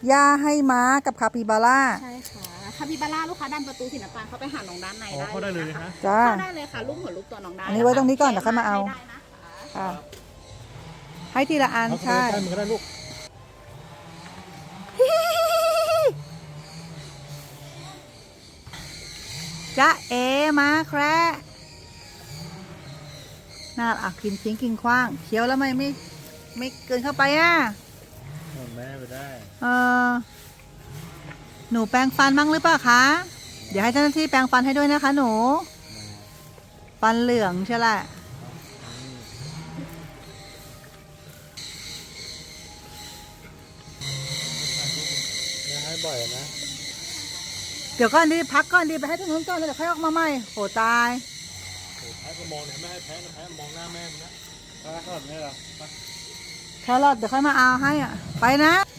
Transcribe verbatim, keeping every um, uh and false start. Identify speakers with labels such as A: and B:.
A: หญ้าให้ม้ากับคาปิบาร่า
B: ใช่ค่ะคาปิบาร่าลูกค้าดันประตูสีน้ำตาลเข้าไปหาน้องด้านในได้
C: เข้าได้เลยนะฮะ
A: จ้า
B: เข้าได้เลยค่ะลูกหัวลูกตัวน้องได้
A: อันนี้ไว้ตรงนี้ก่อนเดี๋ยวค่อยมาเอา
B: ได้นะคะ
A: ค่ะให้ทีละอัน
C: เอาเข้า
A: ใช่
C: ไปใกล้มือก็ได้ลูก
A: จ๊ะเอมาแคระน่าอ่ะกินทิ้งกินขว้างเคี้ยวแล้วไม่ไม่ไม่เกินเข้าไปอ่ะ
C: แม่ไปได้
A: เออหนูแปรงฟันบ้างหรือเปล่าคะ เดี๋ยวให้เจ้าหน้าที่แปรงฟันให้ด้วยนะคะ หนู ฟันเหลืองใช่แหละ
C: แม่ให้บ่อยนะ
A: เดี๋ยวก่อนดีพักก่อนดีไปให้ตรงนู้นก่อนแล้วเดี๋ยวค่อยออกมาใหม่โหตาย
C: โอ้แพ้ก็มองเนี่ยไม่ให้แพ้นะแพ้มองหน้าแม่มันนะแพ้ขนาดนี้เหรอ
A: แครอทเดี๋ยวค่อยมาเอาให้อ่ะ ไปนะ